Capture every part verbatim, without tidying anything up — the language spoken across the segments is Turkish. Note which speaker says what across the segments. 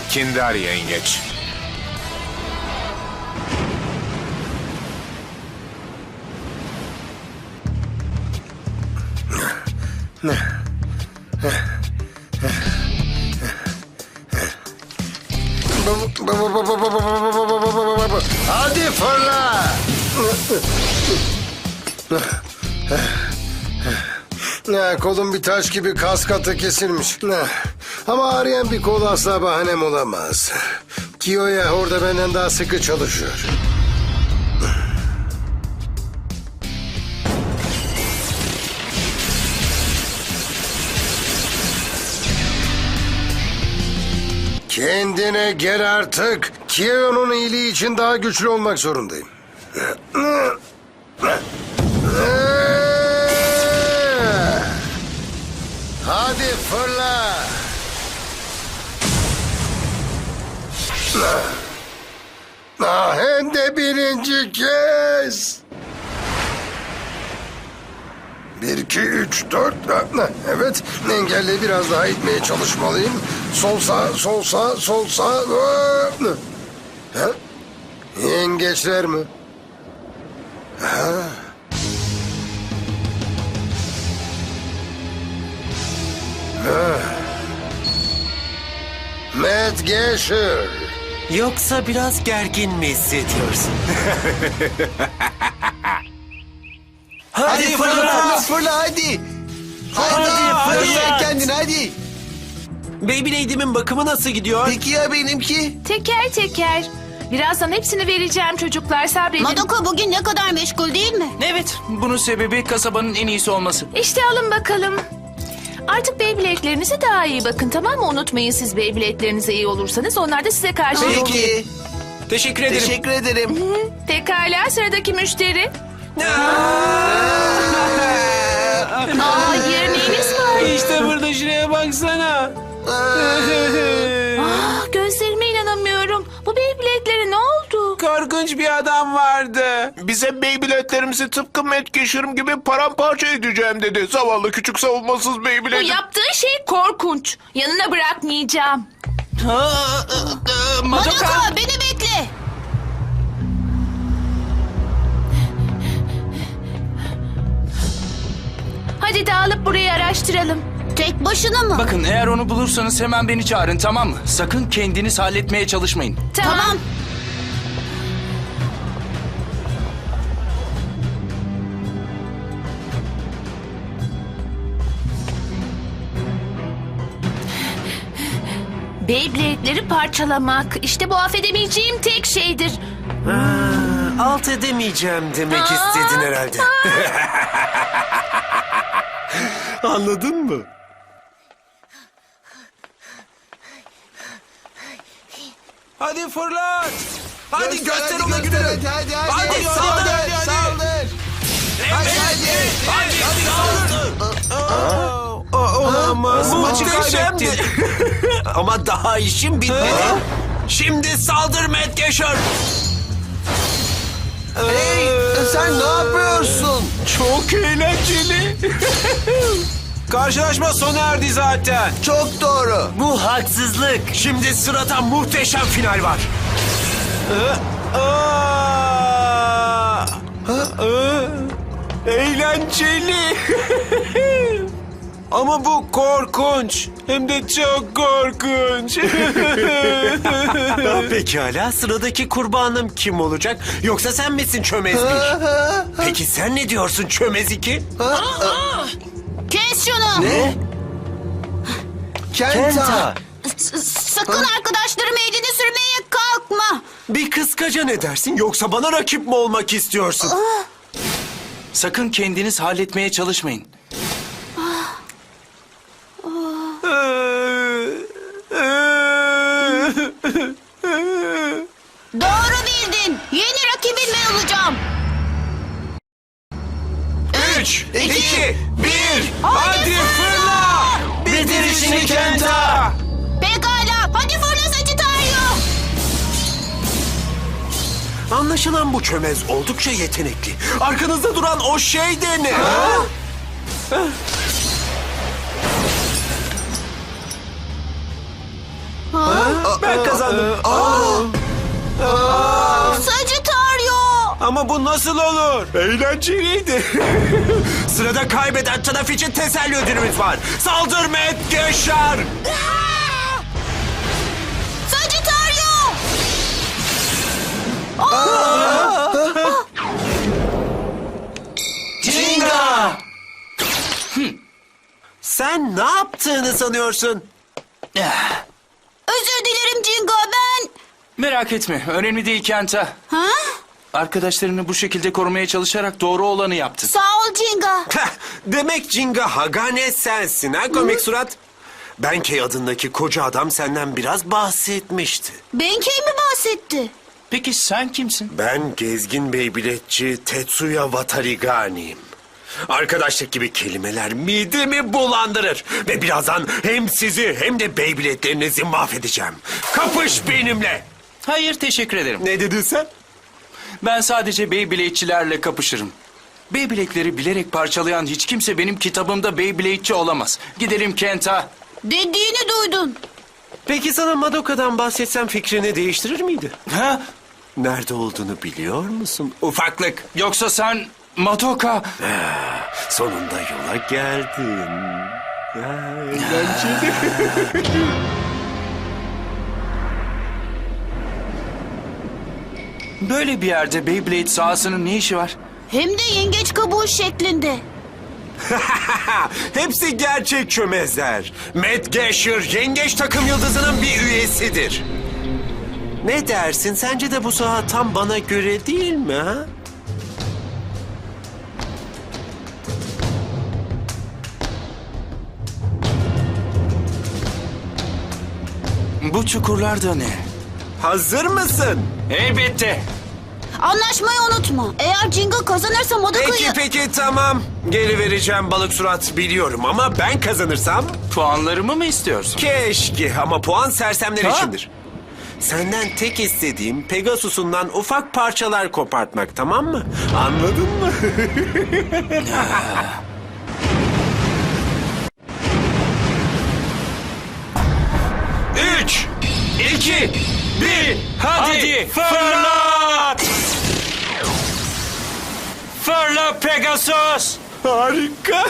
Speaker 1: Kindar yengeç.
Speaker 2: Hadi fırla. Ya, kolum bir taş gibi kas katı kesilmiş. Ama ağrıyan bir kol asla bahanem olamaz. Kiyo'ya orada benden daha sıkı çalışıyor. Kendine gel artık. Kiyo'nun iyiliği için daha güçlü olmak zorundayım. Hadi fırla. Ah, hem de birinci kez. Bir, iki, üç, dört. Evet, engelle biraz daha itmeye çalışmalıyım. Sol sağ, sol sağ, sol sağ. Ha? Yengeçler mi? Ha? Ha. Matt Gasher.
Speaker 3: Yoksa biraz gergin mi hissediyorsun?
Speaker 4: Hadi fırla, fırla, fırla hadi. Hadi,
Speaker 3: Hadi,
Speaker 4: fırla
Speaker 3: fırla.
Speaker 4: kendini hadi.
Speaker 3: Beyblade'imin bakımı nasıl gidiyor?
Speaker 4: Peki ya benimki?
Speaker 5: Teker teker. Birazdan hepsini vereceğim çocuklar, sabredin.
Speaker 6: Madoka bugün ne kadar meşgul değil mi?
Speaker 7: Evet, bunun sebebi kasabanın en iyisi olması.
Speaker 5: İşte alın bakalım. Artık Beyblade'lerinize daha iyi bakın, tamam mı? Unutmayın, siz Beyblade'lerinize iyi olursanız onlar da size karşı iyi olur.
Speaker 4: Peki.
Speaker 7: Teşekkür ederim.
Speaker 4: Teşekkür ederim.
Speaker 5: Pekala, sıradaki müşteri. Aa, yemeğiniz var.
Speaker 7: İşte burada, şuraya baksana.
Speaker 5: Ah, gözlerime inanamıyorum. Bu Beyblade'lere ne oldu?
Speaker 7: Korkunç bir adam vardı.
Speaker 1: Bize Beyblade'lerimizi tıpkı Matt Gasher gibi paramparça edeceğim dedi. Zavallı küçük savunmasız
Speaker 5: Bu
Speaker 1: Beyblade.
Speaker 5: yaptığın şey korkunç. Yanına bırakmayacağım.
Speaker 7: Madoka.
Speaker 6: Madoka beni bekle.
Speaker 5: Hadi dağılıp burayı araştıralım.
Speaker 6: Tek başına mı?
Speaker 7: Bakın, eğer onu bulursanız hemen beni çağırın, tamam mı? Sakın kendiniz halletmeye çalışmayın.
Speaker 5: Tamam.
Speaker 6: Tamam.
Speaker 5: Beyblade'leri parçalamak. İşte bu affedemeyeceğim tek şeydir.
Speaker 3: Alt edemeyeceğim demek istedin herhalde. Anladın mı?
Speaker 7: Hadi fırlat. Hadi göster ona
Speaker 4: hadi,
Speaker 7: gününü.
Speaker 4: Hadi hadi hadi.
Speaker 7: Hadi, saldır, hadi, hadi.
Speaker 4: Saldır. Hadi hadi.
Speaker 3: Olamaz. Maçı
Speaker 7: Muhteşemdi.
Speaker 3: kaybettin. Ama daha işim bitmedi. Şimdi saldır Matt Gasher.
Speaker 4: Hey, sen ne yapıyorsun?
Speaker 3: Çok eğlenceli. Karşılaşma sona erdi zaten.
Speaker 4: Çok doğru.
Speaker 3: Bu haksızlık. Şimdi sırada muhteşem final var. Aa! Aa! Eğlenceli. Ama bu korkunç. Hem de çok korkunç. Pekala, sıradaki kurbanım kim olacak? Yoksa sen misin çömez bir? Peki sen ne diyorsun çömez iki?
Speaker 6: Kes şunu.
Speaker 4: Ne? Kenta.
Speaker 3: Kenta.
Speaker 6: S- sakın arkadaşlarım elini sürmeye kalkma.
Speaker 3: Bir kıskaca ne dersin? Yoksa bana rakip mi olmak istiyorsun?
Speaker 7: Sakın kendiniz halletmeye çalışmayın.
Speaker 6: Doğru bildin. Yeni rakibin ben olacağım.
Speaker 3: Üç,
Speaker 6: iki,
Speaker 3: bir,
Speaker 6: hadi
Speaker 3: fırla! Bitir işini Kenta!
Speaker 6: Pekala. Hadi fırla Sagittario.
Speaker 3: Anlaşılan bu çömez oldukça yetenekli. Arkanızda duran o şey de ne? Ben
Speaker 6: Sagittario.
Speaker 3: Ama bu nasıl olur? Eğlenceliydi. Sırada kaybeden taraf için teselli ödülümüz var. Saldır Matt Geşar.
Speaker 6: Sagittario.
Speaker 3: Jinga! Sen ne yaptığını sanıyorsun?
Speaker 6: Özür dilerim Jingo, ben...
Speaker 7: Merak etme, önemli değil Kenta.
Speaker 6: Ha?
Speaker 7: Arkadaşlarını bu şekilde korumaya çalışarak doğru olanı yaptın.
Speaker 6: Sağ ol Jingo.
Speaker 3: Heh, demek Jinga Hagane sensin ha komik surat? Benkei adındaki koca adam senden biraz bahsetmişti.
Speaker 6: Benkei mi bahsetti?
Speaker 7: Peki sen kimsin?
Speaker 3: Ben gezgin beybiletçi Tetsuya Watarigani'yim. Arkadaşlık gibi kelimeler midemi bulandırır. Ve birazdan hem sizi hem de beybiletlerinizi mahvedeceğim. Kapış benimle.
Speaker 7: Hayır, teşekkür ederim.
Speaker 3: Ne dedin sen?
Speaker 7: Ben sadece Beyblade'çilerle kapışırım. Beyblade'leri bilerek parçalayan hiç kimse benim kitabımda Beyblade'çi olamaz. Gidelim Kenta.
Speaker 6: Dediğini duydun.
Speaker 3: Peki sana Madoka'dan bahsetsem fikrini değiştirir miydi?
Speaker 7: Ha?
Speaker 3: Nerede olduğunu biliyor musun? Ufaklık.
Speaker 7: Yoksa sen Madoka...
Speaker 3: Sonunda yola geldin. Ya, eğlenceli.
Speaker 7: Böyle bir yerde Beyblade sahasının ne işi var?
Speaker 6: Hem de yengeç kabuğu şeklinde.
Speaker 3: Hepsi gerçek çömezler. Matt Geşar yengeç takım yıldızının bir üyesidir. Ne dersin? Sence de bu saha tam bana göre değil mi ha?
Speaker 7: Bu çukurlar da ne?
Speaker 3: Hazır mısın?
Speaker 7: Elbette.
Speaker 6: Anlaşmayı unutma. Eğer Jingo kazanırsa Madoka'yı...
Speaker 3: Peki peki tamam. Geri vereceğim balık surat biliyorum ama ben kazanırsam...
Speaker 7: Puanlarımı mı istiyorsun?
Speaker 3: Keşke ama puan sersemler
Speaker 7: Ha?
Speaker 3: içindir. Senden tek istediğim Pegasus'undan ufak parçalar kopartmak, tamam mı? Anladın mı? Üç, iki, bir, hadi,
Speaker 7: Hadi fırlat! Fırla Pegasus!
Speaker 3: Harika.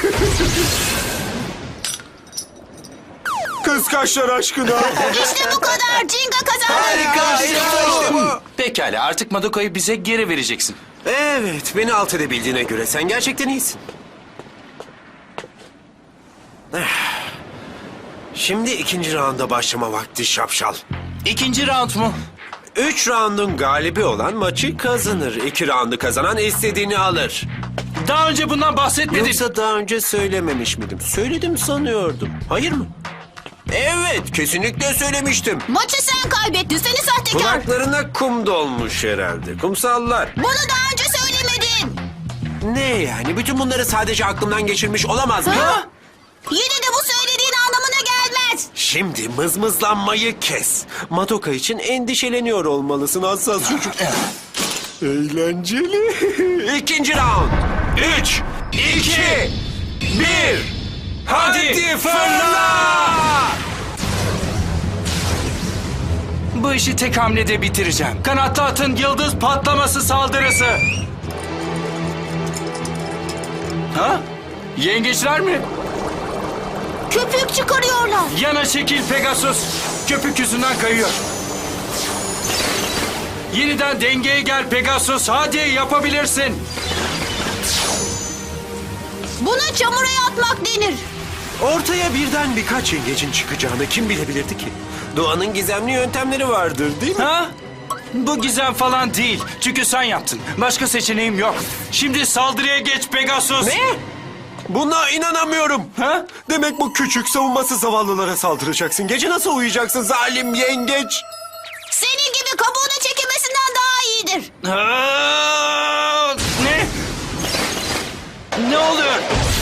Speaker 3: Kıskaçlar aşkına.
Speaker 6: İşte bu kadar. Jingo kazandı.
Speaker 3: Harika, işte bu.
Speaker 7: Pekala, artık Madoka'yı bize geri vereceksin.
Speaker 3: Evet, beni alt edebildiğine göre sen gerçekten iyisin. Eh. Şimdi ikinci raunda başlama vakti şapşal.
Speaker 7: İkinci round mu?
Speaker 3: Üç raundun galibi olan maçı kazanır. İki raundu kazanan istediğini alır.
Speaker 7: Daha önce bundan bahsetmedin.
Speaker 3: Yoksa daha önce söylememiş miydim? Söyledim sanıyordum. Hayır mı? Evet, kesinlikle söylemiştim.
Speaker 6: Maçı sen kaybettin. Seni sahtekar.
Speaker 3: Kulaklarına kum dolmuş herhalde. Kumsallar.
Speaker 6: Bunu daha önce söylemedin.
Speaker 3: Ne yani? Bütün bunları sadece aklımdan geçirmiş olamaz mı?
Speaker 6: Ha? Yine de bu söylediğin anlamına gelmez.
Speaker 3: Şimdi mızmızlanmayı kes. Madoka için endişeleniyor olmalısın hassas çocuk. Eğlenceli. İkinci round. Üç, iki, bir. Hadi fırla!
Speaker 7: Bu işi tek hamlede bitireceğim. Kanatlı atın yıldız patlaması saldırısı. Ha? Yengeçler mi?
Speaker 6: Köpük çıkarıyorlar.
Speaker 7: Yana çekil Pegasus. Köpük yüzünden kayıyor. Yeniden dengeye gel Pegasus. Hadi yapabilirsin.
Speaker 6: Buna çamura atmak denir.
Speaker 3: Ortaya birden birkaç yengecin çıkacağını kim bilebilirdi ki? Doğanın gizemli yöntemleri vardır değil mi?
Speaker 7: Ha? Bu gizem falan değil. Çünkü sen yaptın. Başka seçeneğim yok. Şimdi saldırıya geç Pegasus.
Speaker 3: Ne? Buna inanamıyorum.
Speaker 7: Ha?
Speaker 3: Demek bu küçük savunmasız zavallılara saldıracaksın. Gece nasıl uyuyacaksın zalim yengeç?
Speaker 6: Senin gibi kabuğunu çekemesinden daha iyidir.
Speaker 7: Aa, ne? Ne oluyor?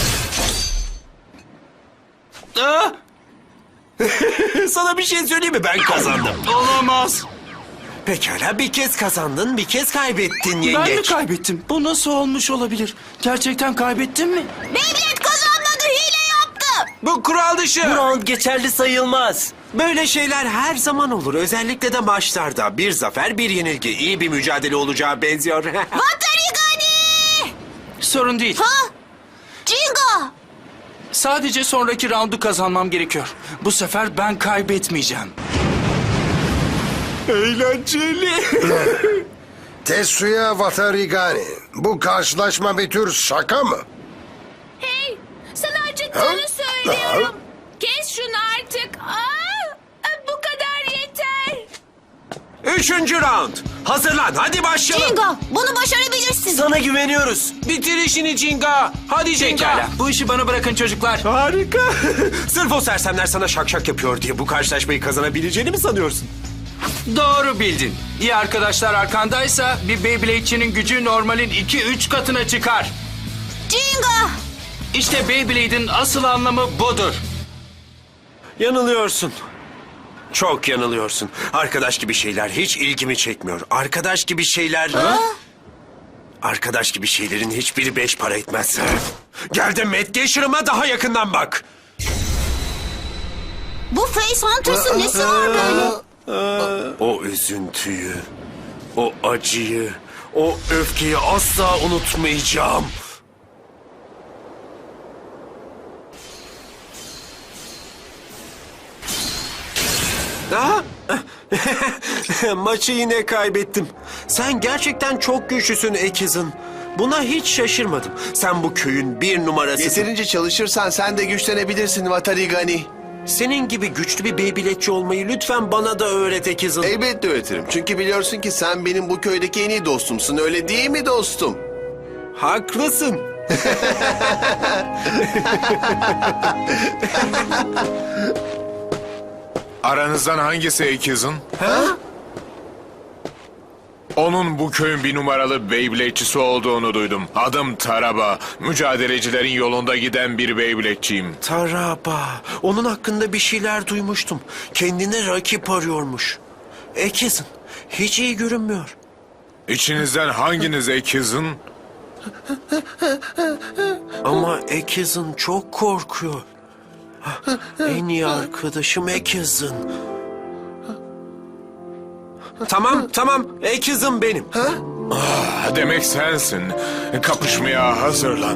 Speaker 7: Aa,
Speaker 3: Sana bir şey söyleyeyim mi? Ben kazandım.
Speaker 7: olamaz.
Speaker 3: Pekala bir kez kazandın, bir kez kaybettin
Speaker 7: Ben mi
Speaker 3: yengeç.
Speaker 7: kaybettim? Bu nasıl olmuş olabilir? Gerçekten kaybettim mi?
Speaker 6: Beyblade kazanmadı, hile yaptı.
Speaker 3: Bu kural dışı.
Speaker 8: Bu round geçerli sayılmaz.
Speaker 3: Böyle şeyler her zaman olur. Özellikle de maçlarda. Bir zafer, bir yenilgi. İyi bir mücadele olacağı benziyor.
Speaker 6: Vatarigani!
Speaker 7: Sorun değil.
Speaker 6: Ha? Jingo!
Speaker 7: Sadece sonraki roundu kazanmam gerekiyor. Bu sefer ben kaybetmeyeceğim.
Speaker 3: Eğlenceli.
Speaker 2: Tetsuya Watarigani. Bu karşılaşma bir tür şaka mı?
Speaker 5: Hey, sana acıttığını söylüyorum. Kes şunu artık. Aa, bu kadar yeter.
Speaker 3: Üçüncü round. Hazırlan. Hadi başlayalım.
Speaker 6: Jingo, bunu başarabilirsin.
Speaker 3: Sana güveniyoruz. Bitir işini Cinga. Hadi Cinga.
Speaker 7: Pekala. Bu işi bana bırakın çocuklar.
Speaker 3: Harika. Sırf o sersemler sana şak şak yapıyor diye bu karşılaşmayı kazanabileceğini mi sanıyorsun?
Speaker 7: Doğru bildin. İyi arkadaşlar arkandaysa bir Beyblade'çinin gücü normalin iki üç katına çıkar.
Speaker 6: Jingo!
Speaker 7: İşte Beyblade'in asıl anlamı budur.
Speaker 3: Yanılıyorsun. Çok yanılıyorsun. Arkadaş gibi şeyler hiç ilgimi çekmiyor. Arkadaş gibi şeyler... Arkadaş gibi şeylerin hiçbiri beş para etmez. Gel de Matt Gasher'ıma daha yakından bak.
Speaker 6: Bu Face Hunters'ın nesi var böyle?
Speaker 3: O üzüntüyü, o acıyı, o öfkeyi asla unutmayacağım. Aha! Maçı yine kaybettim. Sen gerçekten çok güçlüsün Ekiz'in. Buna hiç şaşırmadım. Sen bu köyün bir numarasısın.
Speaker 4: Yeterince çalışırsan sen de güçlenebilirsin Vatarigani.
Speaker 3: Senin gibi güçlü bir Beyblade'çi olmayı lütfen bana da öğret Ekiz'in.
Speaker 4: Elbette öğretirim. Çünkü biliyorsun ki sen benim bu köydeki en iyi dostumsun. Öyle değil mi dostum?
Speaker 3: Haklısın.
Speaker 8: Aranızdan hangisi Ekiz'in? Onun bu köyün bir numaralı Beyblade'çisi olduğunu duydum. Adım Taraba. Mücadelecilerin yolunda giden bir Beyblade'çiyim.
Speaker 3: Taraba. Onun hakkında bir şeyler duymuştum. Kendine rakip arıyormuş. Ekiz'in. Hiç iyi görünmüyor.
Speaker 8: İçinizden hanginiz Ekiz'in?
Speaker 3: Ama Ekiz'in çok korkuyor. En iyi arkadaşım Ekiz'in. Tamam, tamam. Ekiz'in benim.
Speaker 8: Ah, demek sensin. Kapışmaya hazırlan.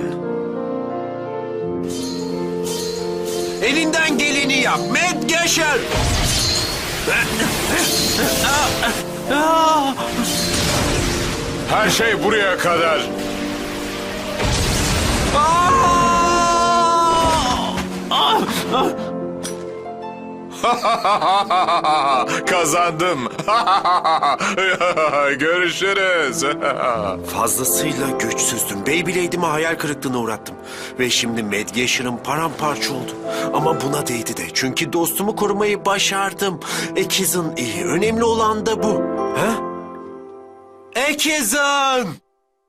Speaker 3: Elinden geleni yap. Matt Gasher.
Speaker 8: Her şey buraya kadar. Kazandım. Görüşürüz.
Speaker 3: Fazlasıyla güçsüzdüm. Beyblade'imi hayal kırıklığına uğrattım. Ve şimdi Matt Gasher'ım paramparça oldu. Ama buna değdi de. Çünkü dostumu korumayı başardım. Ekiz'in iyi. Önemli olan da bu. Ha? Ekiz'in!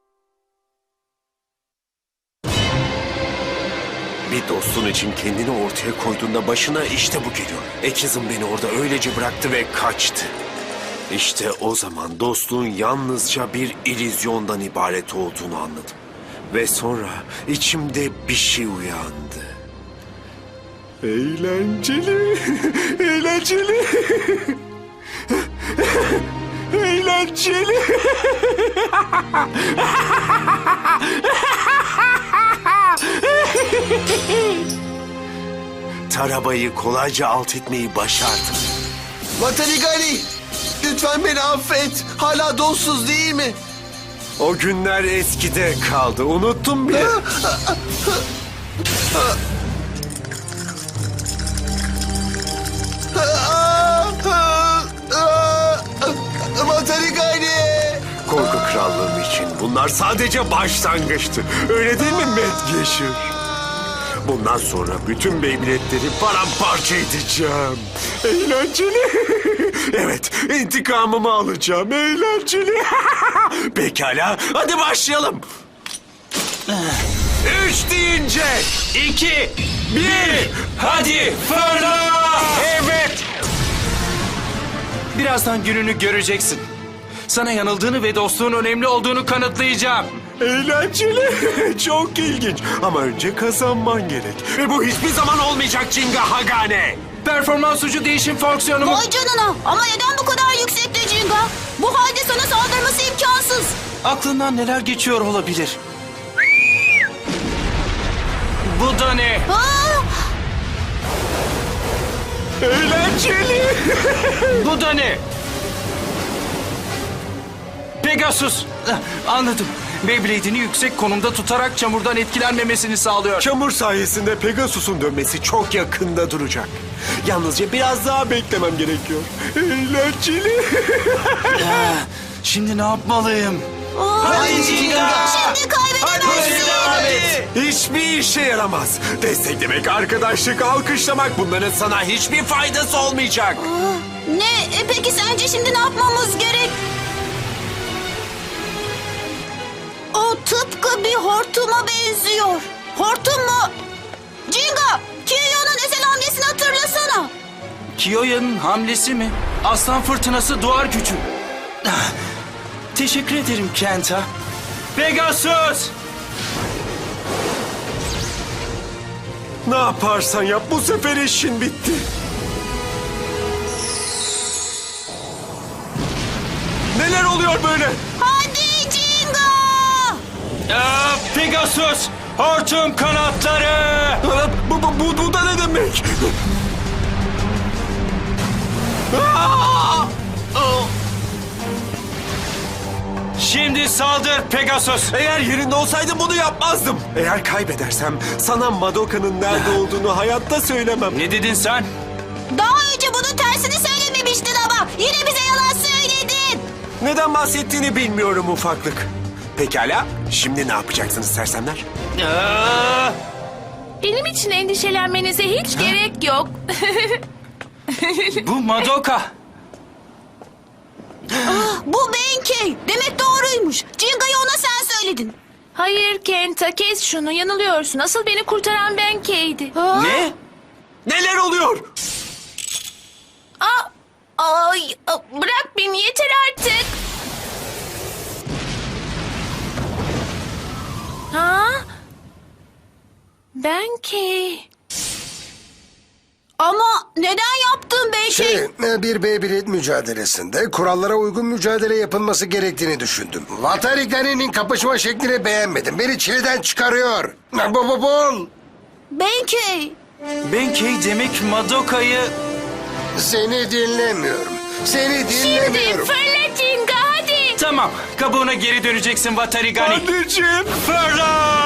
Speaker 3: Bir dostun için kendini ortaya koyduğunda başına işte bu geliyor. Ekiz'in beni orada öylece bıraktı ve kaçtı. İşte o zaman dostluğun yalnızca bir illüzyondan ibaret olduğunu anladım. Ve sonra içimde bir şey uyandı. Eğlenceli, eğlenceli, eğlenceli. Taraba'yı kolayca alt etmeyi başardım.
Speaker 4: Vatarigani! Lütfen beni affet. Hala dostsuz değil mi?
Speaker 3: O günler eskide kaldı. Unuttum bile.
Speaker 4: Vatarigani!
Speaker 3: Korku krallığım için bunlar sadece başlangıçtı. Öyle değil mi Matt Gasher? Bundan sonra bütün Beyblade'leri paramparça edeceğim. Eğlenceli. Evet, intikamımı alacağım. Eğlenceli. Pekala, hadi başlayalım. Üç deyince iki, bir, hadi fırla. Evet.
Speaker 7: Birazdan gününü göreceksin. Sana yanıldığını ve dostluğun önemli olduğunu kanıtlayacağım.
Speaker 3: Eğlenceli. Çok ilginç. Ama önce kazanman gerek. Ve bu hiçbir zaman olmayacak Jinga Hagane.
Speaker 7: Performans ucu değişim fonksiyonumu...
Speaker 6: Vay canına. Ama neden bu kadar yüksekte Jinga? Bu halde sana saldırması imkansız.
Speaker 7: Aklından neler geçiyor olabilir? Bu da ne?
Speaker 6: Aa,
Speaker 3: Eğlenceli.
Speaker 7: Bu da ne? Pegasus. Ah, anladım. Beyblade'ini yüksek konumda tutarak çamurdan etkilenmemesini sağlıyor.
Speaker 3: Çamur sayesinde Pegasus'un dönmesi çok yakında duracak. Yalnızca biraz daha beklemem gerekiyor. Eğlenceli.
Speaker 7: Ah, şimdi ne yapmalıyım?
Speaker 6: Hadi Jinga. Şimdi kaybedemezsin.
Speaker 3: Hiçbir işe yaramaz. Desteklemek, arkadaşlık, alkışlamak bunların sana hiçbir faydası olmayacak.
Speaker 6: Ne? E, peki sence şimdi ne yapmamız gerek? O tıpkı bir hortuma benziyor. Hortum mu? Jinga, Kiyo'nun özel hamlesini hatırlasana.
Speaker 7: Kiyoya'nın hamlesi mi? Aslan fırtınası duvar gücü. Ah, teşekkür ederim Kenta. Pegasus!
Speaker 3: Ne yaparsan yap bu sefer işin bitti. Neler oluyor böyle?
Speaker 6: Hadi Jinga.
Speaker 7: Ah, Pegasus! Hortum kanatları!
Speaker 3: Aa, Bu, bu, bu, bu da ne demek? Aa! Aa!
Speaker 7: Şimdi saldır Pegasus!
Speaker 3: Eğer yerinde olsaydım bunu yapmazdım. Eğer kaybedersem sana Madoka'nın nerede olduğunu hayatta söylemem.
Speaker 7: Ne dedin sen?
Speaker 6: Daha önce bunun tersini söylememiştin ama yine bize yalan söyledin.
Speaker 3: Neden bahsettiğini bilmiyorum ufaklık. Pekala, şimdi ne yapacaksınız sersemler?
Speaker 7: Ah,
Speaker 5: Benim için endişelenmenize hiç gerek yok.
Speaker 7: bu Madoka.
Speaker 6: Bu Benkei. Demek doğruymuş. Jinga'yı ona sen söyledin.
Speaker 5: Hayır Kenta, kes şunu, yanılıyorsun. Asıl beni kurtaran Benkei'ydi.
Speaker 7: Ne?
Speaker 3: Neler oluyor?
Speaker 5: Aa, ay, a, bırak beni, yeter artık. Ha? Benkei.
Speaker 6: Ama neden yaptın Benkei?
Speaker 2: Şey, e, bir Beyblade mücadelesinde kurallara uygun mücadele yapılması gerektiğini düşündüm. Vatarigani'nin kapışma şeklini beğenmedim. Beni çileden çıkarıyor. Bu bu bul.
Speaker 6: Benkei.
Speaker 7: Benkei demek Madoka'yı...
Speaker 2: Seni dinlemiyorum. Seni
Speaker 5: Şimdi
Speaker 2: dinlemiyorum.
Speaker 5: fırla Jinga, hadi.
Speaker 7: Tamam, kabuğuna geri döneceksin Vatarigani.
Speaker 3: Anneciğim.
Speaker 7: Fırla!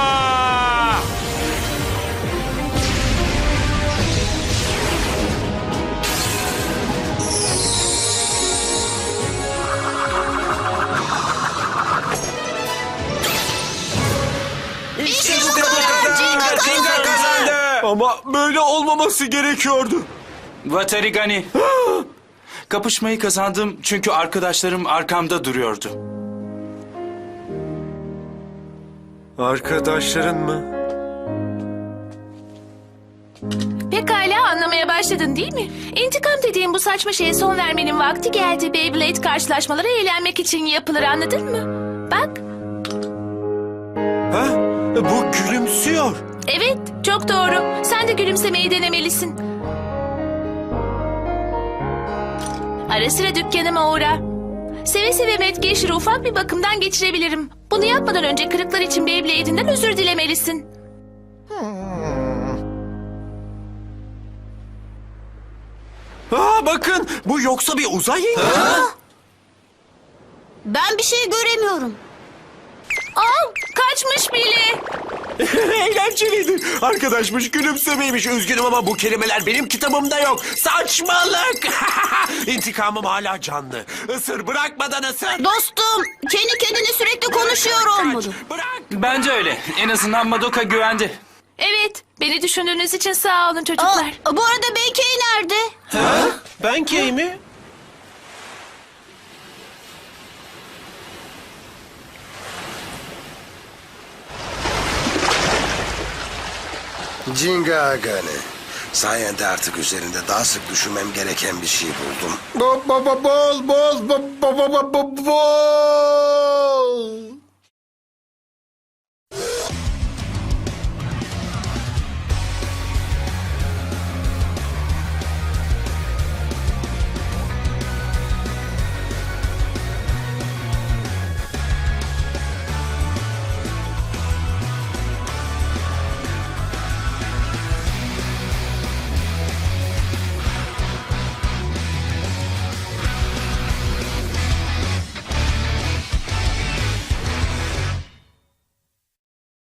Speaker 6: İşte bu kadar. Jinga kazandı.
Speaker 3: Ama böyle olmaması gerekiyordu.
Speaker 7: Vatarigani. Kapışmayı kazandım çünkü arkadaşlarım arkamda duruyordu.
Speaker 3: Arkadaşların mı?
Speaker 5: Pekala, anlamaya başladın değil mi? İntikam dediğim bu saçma şeye son vermenin vakti geldi. Beyblade karşılaşmaları eğlenmek için yapılır, anladın mı? Bak.
Speaker 3: Ha? Bu gülümsüyor.
Speaker 5: Evet, çok doğru. Sen de gülümsemeyi denemelisin. Ara sıra dükkanıma uğra. Seve seve Medgeşir'i ufak bir bakımdan geçirebilirim. Bunu yapmadan önce kırıklar için Beyblade'inden özür dilemelisin.
Speaker 3: Aa, bakın bu yoksa bir uzay yengeci.
Speaker 6: Ben bir şey göremiyorum.
Speaker 5: Aa, kaçmış bile.
Speaker 3: Eğlenceliydi. Arkadaşmış, gülümsemeymiş. Üzgünüm ama bu kelimeler benim kitabımda yok. Saçmalık. İntikamım hala canlı. Isır, bırakmadan ısır.
Speaker 6: Dostum, kendi kendine sürekli konuşuyor olmalı.
Speaker 3: Bırak.
Speaker 7: Bence öyle. En azından Madoka güvende.
Speaker 5: Evet, beni düşündüğünüz için sağ olun çocuklar.
Speaker 6: Aa, bu arada Benkei nerede?
Speaker 3: Ben key mi?
Speaker 2: Jinga Agane. Sayende artık üzerinde daha sık düşünmem gereken bir şey buldum. Bol bol bol bol bol bol bol bol bol.